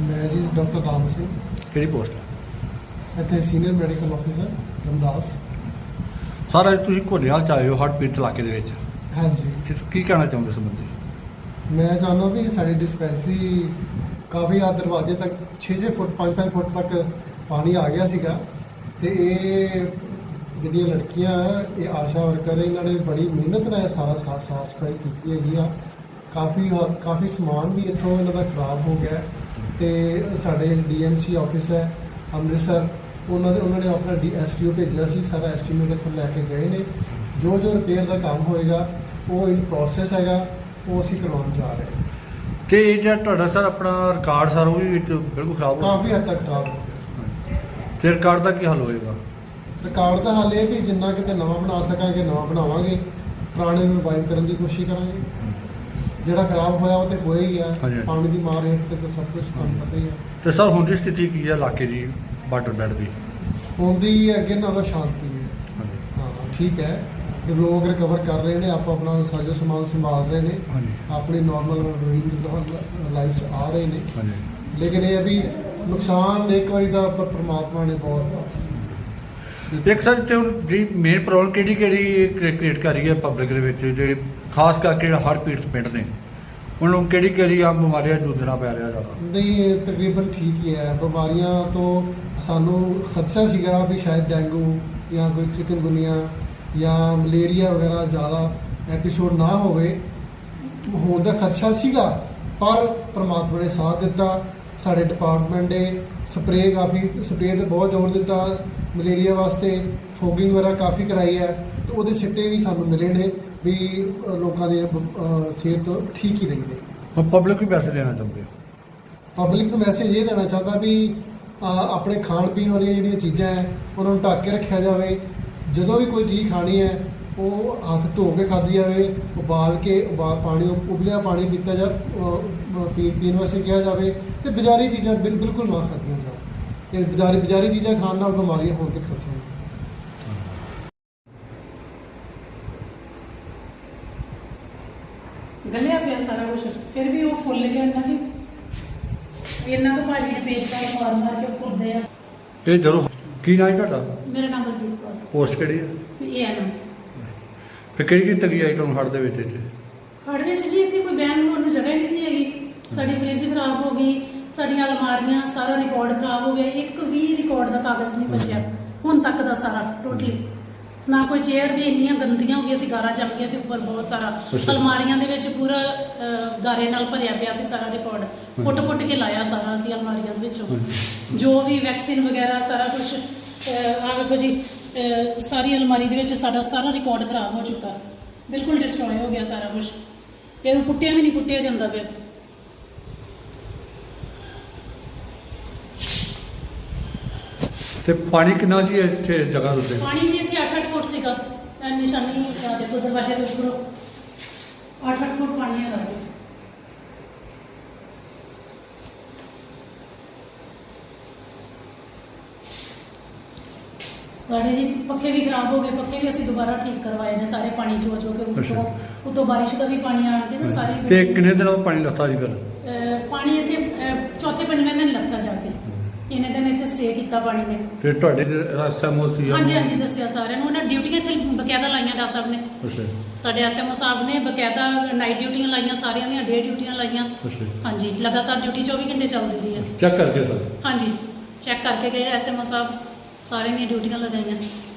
मैं जी डॉक्टर राम सिंह ਕਿਹੜੀ ਪੋਸਟ ਹੈ ਇੱਥੇ senior medical officer Ramdas. Sir ਅੱਜ ਤੁਸੀਂ ਘੋੜੇਵਾਲ ਚ ਆਏ ਹੋ ਹੜ੍ਹ ਪੀੜਤ ਇਲਾਕੇ ਦੇ ਵਿੱਚ, ਹਾਂਜੀ, ਇਸ ਕੀ ਕਹਿਣਾ ਚਾਹੁੰਦੇ ਸੰਬੰਧੀ? ਮੈਂ ਚਾਹੁੰਦਾ ਵੀ ਸਾਡੀ ਡਿਸਪੈਂਸਰੀ ਕਾਫੀ ਆ ਦਰਵਾਜ਼ੇ ਤੱਕ 6-6 ਫੁੱਟ 5-5 ਫੁੱਟ ਤੱਕ ਪਾਣੀ ਆ ਗਿਆ ਸੀਗਾ ਤੇ ਇਹ ਜਿਹੜੀਆਂ ਲੜਕੀਆਂ ਇਹ ਆਸ਼ਾ ਵਰਕਰ ਇਹਨਾਂ ਨੇ ਬੜੀ ਮਿਹਨਤ ਨਾਲ ਸਾਰਾ ਸਾਫ ਸਫਾਈ ਕੀਤੀ ਹੈਗੀ ਆ। ਕਾਫੀ ਸਮਾਨ ਵੀ ਇੱਥੋਂ ਇਹਨਾਂ ਦਾ ਖਰਾਬ ਹੋ ਗਿਆ ਤੇ ਸਾਡੇ ਡੀਐਮਸੀ ਆਫਿਸ ਹੈ ਅੰਮ੍ਰਿਤਸਰ, ਉਹਨਾਂ ਨੇ ਆਪਣਾ ਐਸਟੀਓ ਭੇਜਿਆ ਸੀ, ਸਾਰਾ ਐਸਟੀਮੇਟ ਇੱਥੋਂ ਲੈ ਕੇ ਗਏ ਨੇ। ਜੋ ਰਿਪੇਅਰ ਦਾ ਕੰਮ ਹੋਏਗਾ ਉਹ ਇਨ ਪ੍ਰੋਸੈਸ ਹੈਗਾ, ਉਹ ਅਸੀਂ ਕਰਵਾਉਣ ਜਾ ਰਹੇ ਹਾਂ। ਤੇ ਇਹ ਜਿਹੜਾ ਤੁਹਾਡਾ ਸਰ ਆਪਣਾ ਰਿਕਾਰਡ ਸਰ ਉਹ ਵੀ ਵਿੱਚ ਬਿਲਕੁਲ ਖਰਾਬ ਹੋ ਕਾਫੀ ਹੱਦ ਤੱਕ ਖਰਾਬ ਹੋ ਗਿਆ। ਤੇ ਰਿਕਾਰਡ ਦਾ ਕੀ ਹੱਲ ਹੋਏਗਾ? ਰਿਕਾਰਡ ਦਾ ਹੱਲ ਇਹ ਵੀ ਜਿੰਨਾ ਕਿਤੇ ਨਵਾਂ ਬਣਾ ਸਕਾਂਗੇ ਨਵਾਂ ਬਣਾਵਾਂਗੇ, ਪੁਰਾਣੇ ਨੂੰ ਰਿਵਾਈਵ ਕਰਨ ਦੀ ਕੋਸ਼ਿਸ਼ ਕਰਾਂਗੇ। ਜਿਹੜਾ ਖਰਾਬ ਹੋਇਆ ਉਹ ਤੇ ਹੋਇਆ ਹੀ ਆ, ਹਾਂਜੀ। ਪਾਣੀ ਦੀ ਮਾਰ ਹੇਠ ਤੇ ਤਾਂ ਸਭ ਕੁਝ ਤੁਹਾਨੂੰ ਪਤਾ ਹੀ ਆ। ਤੇ ਸਰ ਹੁਣ ਦੀ ਸਥਿਤੀ ਕੀ ਹੈ ਇਲਾਕੇ ਦੀ ਵਾਟਰ ਬੈਡ ਦੀ? ਹੁੰਦੀ ਅੱਗੇ ਨਾਲੋਂ ਸ਼ਾਂਤੀ ਹੈ। ਹਾਂਜੀ ਹਾਂ ਠੀਕ ਹੈ, ਲੋਕ ਰਿਕਵਰ ਕਰ ਰਹੇ ਨੇ, ਆਪਣਾ ਸਾਜੋ ਸਮਾਨ ਸੰਭਾਲ ਰਹੇ ਨੇ, ਹਾਂਜੀ ਆਪਣੀ ਨਾਰਮਲ ਲਾਈਫ 'ਚ ਆ ਰਹੇ ਨੇ। ਹਾਂਜੀ। ਲੇਕਿਨ ਇਹ ਵੀ ਨੁਕਸਾਨ ਇੱਕ ਵਾਰੀ ਦਾ ਪਰਮਾਤਮਾ ਨੇ ਬਹੁਤ। ਇੱਕ ਸਰ ਤੇ ਹੁਣ ਜੀ ਮੇਨ ਪ੍ਰੋਬਲਮ ਕਿਹੜੀ ਕ੍ਰੀਏਟ ਕਰ ਰਹੀ ਹੈ ਪਬਲਿਕ ਦੇ ਵਿੱਚ, ਜਿਹੜੇ ਖਾਸ ਕਰਕੇ ਜਿਹੜਾ ਹੜ੍ਹ ਪੀੜਤ ਪਿੰਡ ਨੇ ਉਹਨਾਂ ਨੂੰ ਕਿਹੜੀ ਆ ਬਿਮਾਰੀਆਂ ਜੂਝਣਾ ਪੈ ਰਿਹਾ ਜ਼ਿਆਦਾ? ਨਹੀਂ, ਤਕਰੀਬਨ ਠੀਕ ਹੀ ਹੈ। ਬਿਮਾਰੀਆਂ ਤੋਂ ਸਾਨੂੰ ਖਦਸ਼ਾ ਸੀਗਾ ਵੀ ਸ਼ਾਇਦ ਡੇਂਗੂ ਜਾਂ ਕੋਈ ਚਿਕਨਗੁਨੀਆ ਜਾਂ ਮਲੇਰੀਆ ਵਗੈਰਾ ਜ਼ਿਆਦਾ ਐਪੀਸੋਡ ਨਾ ਹੋਵੇ, ਹੋਣ ਦਾ ਖਦਸ਼ਾ ਸੀਗਾ, ਪਰ ਪ੍ਰਮਾਤਮਾ ਨੇ ਸਾਥ ਦਿੱਤਾ। ਸਾਡੇ ਡਿਪਾਰਟਮੈਂਟ ਨੇ ਸਪਰੇਅ ਤੇ ਬਹੁਤ ਜ਼ੋਰ ਦਿੱਤਾ ਮਲੇਰੀਆ ਵਾਸਤੇ, ਫੋਗਿੰਗ ਵਗੈਰਾ ਕਾਫੀ ਕਰਾਈ ਹੈ ਤੇ ਉਹਦੇ ਸਿੱਟੇ ਵੀ ਸਾਨੂੰ ਮਿਲੇ ਨੇ ਵੀ ਲੋਕਾਂ ਦੀ ਸਿਹਤ ਠੀਕ ਹੀ ਰਹੀ ਹੈ। ਹੁਣ ਪਬਲਿਕ ਨੂੰ ਪੈਸੇ ਦੇਣਾ ਚਾਹੁੰਦੇ ਹੋ? ਪਬਲਿਕ ਨੂੰ ਮੈਸੇਜ ਇਹ ਦੇਣਾ ਚਾਹੁੰਦਾ ਵੀ ਆਪਣੇ ਖਾਣ ਪੀਣ ਵਾਲੀਆਂ ਜਿਹੜੀਆਂ ਚੀਜ਼ਾਂ ਹੈ ਉਹਨਾਂ ਨੂੰ ਢੱਕ ਕੇ ਰੱਖਿਆ ਜਾਵੇ। ਜਦੋਂ ਵੀ ਕੋਈ ਚੀਜ਼ ਖਾਣੀ ਹੈ ਉਹ ਹੱਥ ਧੋ ਕੇ ਖਾਧੀ ਜਾਵੇ, ਉਬਾਲ ਪਾਣੀ ਉਬਲਿਆ ਪਾਣੀ ਪੀਤਾ ਪੀਣ ਵਾਸਤੇ ਕਿਹਾ ਜਾਵੇ ਤੇ ਬਾਜ਼ਾਰੀ ਚੀਜ਼ਾਂ ਬਿਲਕੁਲ ਨਾ ਖਾਧੀਆਂ ਜਾਣ। ਤੇ ਬਾਜ਼ਾਰੀ ਚੀਜ਼ਾਂ ਖਾਣ ਨਾਲ ਬਿਮਾਰੀਆਂ ਹੋਣ ਦੇ ਖਤਰੇ ਹਨ। ਗਲਿਆ ਪਿਆ ਸਾਰਾ ਕੁਝ, ਫਿਰ ਵੀ ਉਹ ਫੁੱਲ ਗਿਆ ਇੰਨਾ ਕਿ ਇਹਨਾਂ ਕੋ ਭਾਜੀ ਨੇ ਪੇਚਕਸ ਮਾਰ ਕੇ ਪੁਰਦੇ ਆ। ਇਹ ਜਦੋਂ ਕੀ ਨਾਂ ਹੈ ਤੁਹਾਡਾ? ਮੇਰਾ ਨਾਮ ਬਲਜੀਤ ਕੌਰ, ਪੋਸਟ ਕਿਹੜੀ ਹੈ? ਇਹ ਹੈ ਨਾ ਫਿਰ ਕਿਹੜੀ ਤਗੀ ਆਈ ਤੁਹਾਨੂੰ ਹੜ੍ਹ ਦੇ ਵਿੱਚ ਇੱਥੇ? ਹੜ੍ਹ ਵਿੱਚ ਜੀ ਇੱਥੇ ਕੋਈ ਬਹਿਣ ਨੂੰ ਜਗ੍ਹਾ ਹੀ ਨਹੀਂ ਸੀ ਹੈਗੀ। ਸਾਡੀ ਫ੍ਰਿਜ ਖਰਾਬ ਹੋ ਗਈ, ਸਾਡੀਆਂ ਅਲਮਾਰੀਆਂ, ਸਾਰਾ ਰਿਕਾਰਡ ਖਰਾਬ ਹੋ ਗਿਆ। ਇੱਕ ਵੀ ਰਿਕਾਰਡ ਦਾ ਕਾਗਜ਼ ਨਹੀਂ ਬਚਿਆ ਹੁਣ ਤੱਕ ਦਾ ਸਾਰਾ ਟੋਟਲੀ। ਨਾ ਕੋਈ ਚੇਅਰ ਵੀ ਇੰਨੀਆਂ ਗੰਦੀਆਂ ਹੋ ਗਈਆਂ ਸੀ, ਗਾਰਾ ਜੰਮ ਗਿਆ ਸੀ ਉੱਪਰ ਬਹੁਤ ਸਾਰਾ। ਅਲਮਾਰੀਆਂ ਦੇ ਵਿੱਚ ਪੂਰਾ ਗਾਰੇ ਨਾਲ ਭਰਿਆ ਪਿਆ ਸੀ ਸਾਰਾ ਰਿਕਾਰਡ, ਪੁੱਟ ਕੇ ਲਾਇਆ ਸਾਰਾ ਅਸੀਂ ਅਲਮਾਰੀਆਂ ਦੇ ਵਿੱਚੋਂ। ਜੋ ਵੀ ਵੈਕਸੀਨ ਵਗੈਰਾ ਸਾਰਾ ਕੁਝ ਆ ਵੇਖੋ ਜੀ, ਸਾਰੀ ਅਲਮਾਰੀ ਦੇ ਵਿੱਚ ਸਾਡਾ ਸਾਰਾ ਰਿਕਾਰਡ ਖਰਾਬ ਹੋ ਚੁੱਕਾ, ਬਿਲਕੁਲ ਡਿਸਟਰੋਏ ਹੋ ਗਿਆ ਸਾਰਾ ਕੁਝ। ਇਹਨੂੰ ਪੁੱਟਿਆ ਵੀ ਨਹੀਂ ਪੁੱਟਿਆ ਜਾਂਦਾ ਪਿਆ। ਤੇ ਪਾਣੀ ਕਿੰਨਾ ਸੀ ਇੱਥੇ ਜਗ੍ਹਾ ਦੇ ਉੱਤੇ? ਪਾਣੀ ਜੀ ਇੱਥੇ 8-8 ਫੁੱਟ ਸੀਗਾ, ਨਿਸ਼ਾਨੀ ਦੇਖੋ ਦਰਵਾਜ਼ੇ ਦੇ ਉੱਪਰੋਂ 8-8 ਫੁੱਟ ਪਾਣੀ ਹੈਗਾ ਸੀ। ਸਾਡੇ ਜੀ ਪੱਖੇ ਵੀ ਖਰਾਬ ਹੋ ਗਏ, ਪੱਖੇ ਵੀ ਅਸੀਂ ਦੁਬਾਰਾ ਠੀਕ ਕਰਵਾਏ ਨੇ ਸਾਰੇ, ਪਾਣੀ ਚੋ ਕੇ ਉੱਤੋਂ ਬਾਰਿਸ਼ ਦਾ ਵੀ ਪਾਣੀ ਆਣ ਕੇ ਨਾ ਸਾਰੀ। ਤੇ ਕਿੰਨੇ ਦਿਨਾਂ ਬਾਅਦ ਪਾਣੀ ਲੱਥਾ ਜੀ ਫਿਰ? ਪਾਣੀ ਇੱਥੇ ਚੌਥੇ ਪੰਜਵੇਂ ਦਿਨ ਲੱਥਾ ਜਾ ਕੇ, ਇਹਨੇ ਦਿਨ ਇੱਥੇ ਸਟੇ ਕੀਤਾ ਪਾਣੀ ਨੇ। ਤੇ ਤੁਹਾਡੇ ਐਸਐਮਓ ਸੀ? ਹਾਂਜੀ ਦੱਸਿਆ ਸਾਰਿਆਂ ਨੂੰ, ਉਹਨਾਂ ਡਿਊਟੀਆਂ ਇੱਥੇ ਬਕਾਇਦਾ ਲਾਈਆਂ ਡਾ ਸਾਹਿਬ ਨੇ। ਸਾਡੇ ਐਸਐਮਓ ਸਾਹਿਬ ਨੇ ਬਕਾਇਦਾ ਨਾਈਟ ਡਿਊਟੀਆਂ ਲਾਈਆਂ, ਸਾਰਿਆਂ ਦੀਆਂ ਡੇ ਡਿਊਟੀਆਂ ਲਾਈਆਂ। ਹਾਂਜੀ, ਲਗਾਤਾਰ ਡਿਊਟੀ 24 ਘੰਟੇ ਚੱਲਦੀ ਰਹੀ ਹੈ। ਚੈੱਕ ਕਰਕੇ ਸਰ? ਹਾਂਜੀ, ਚੈੱਕ ਕਰਕੇ ਗਏ ਐਸਐਮਓ ਸਾਹਿਬ, ਸਾਰਿਆਂ ਦੀਆਂ ਡਿਊਟੀਆਂ ਲਗਾਈਆਂ।